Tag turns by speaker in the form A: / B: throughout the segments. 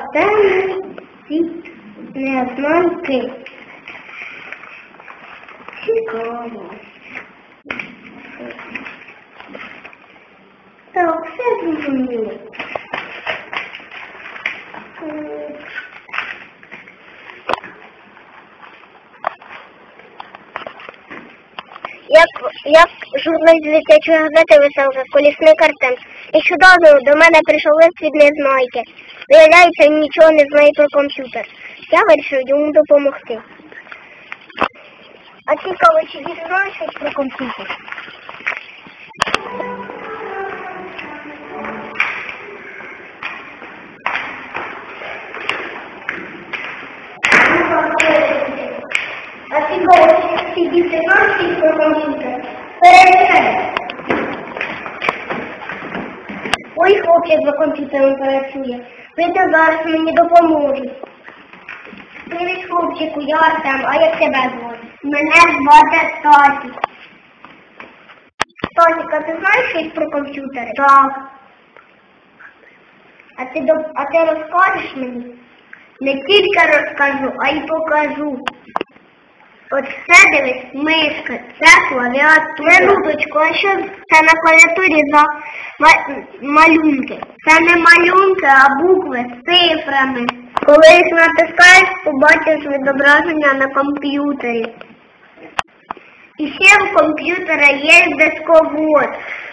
A: темний світ незнанки. Цікаво. Так, все зрозуміло. Як журналіст дитячої газети «Веселка» Колісник Артем. Нещодавно до мене прийшов лист від Незнайки. Виявляється, він нічого не знає про комп'ютер. Я вирішив йому допомогти. А цікаво, чи він знає щось про комп'ютер? А цікаво, чи діти знають щось про комп'ютер? Перевіряй. Ой, хлопчик за комп'ютером працює. Видно, зараз мені допоможуть. Привіт, хлопчику, я Артем, а як тебе звати? Мене звати Стасік. Стасік, а ти знаєш щось про комп'ютери? Так. А ти розкажеш мені? Не тільки розкажу, а й покажу. От це, дивись, мишка, це клавіатура. Минуточку, а що це на клавіатурі за малюнки? Це не малюнки, а букви з цифрами. Коли їх натискаєш, побачиш відображення на комп'ютері. І ще в комп'ютера є дисковод.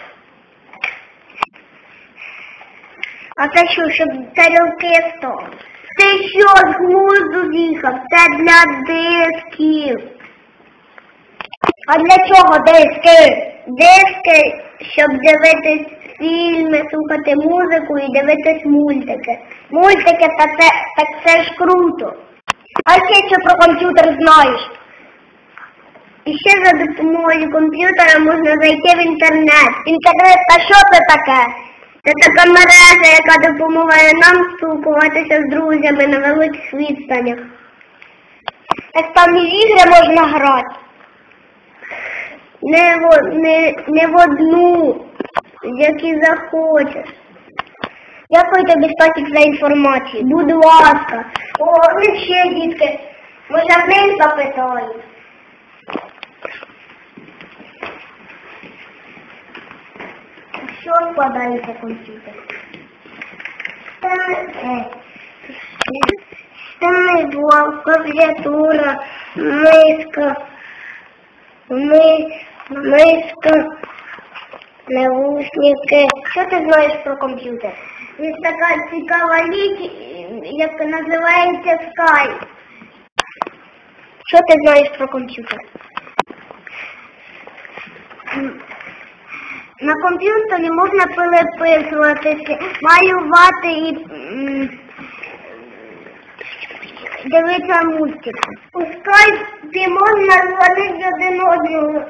A: А це що, щоб тарілки стали? Ти що, з глузду з'їхав? Це для дисків. А для чого диски? Диски, щоб дивитись фільми, слухати музику і дивитись мультики. Мультики, так це ж круто. А ще що про комп'ютер знаєш? І ще за допомогою комп'ютера можна зайти в інтернет. Інтернет, а що це таке? Це така мережа, яка допомагає нам спілкуватися з друзями на великих відстанях. Так там і в ігри можна грати. Не в одну, які захочеш. Дякую тобі, Стасік, за інформацію. Будь ласка. О, і ще, дітки, може в них запитаю. Що складається комп'ютер? Стіни, блок, клавіатура, миска, навушники. Що ти знаєш про комп'ютер? Є така цікава річ, яка називається Skype. Що ти знаєш про комп'ютер? На комп'ютері можна переписуватися, малювати і дивитися мультики. У скайпі можна дзвонити один одного,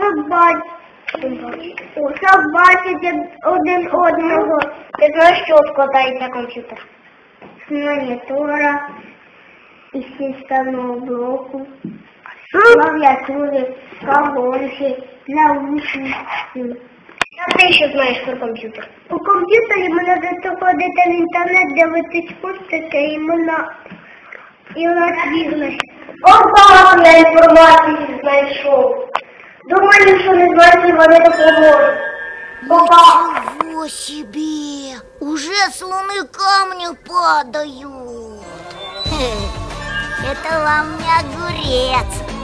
A: щоб бачити один одного. Ти знаєш, що складається комп'ютер? З монітора, із системного блоку, клавіатури, колонки, наушників. А ти що знаєш про комп'ютер? У комп'ютері можна заходити в інтернет, дивитись мультики і можна бізнес. Ого, я інформацію знайшов. Думаю, що не знаєш, вони допоможуть.
B: Ничего себе! Уже слоны камни падают. Это вам не огурец.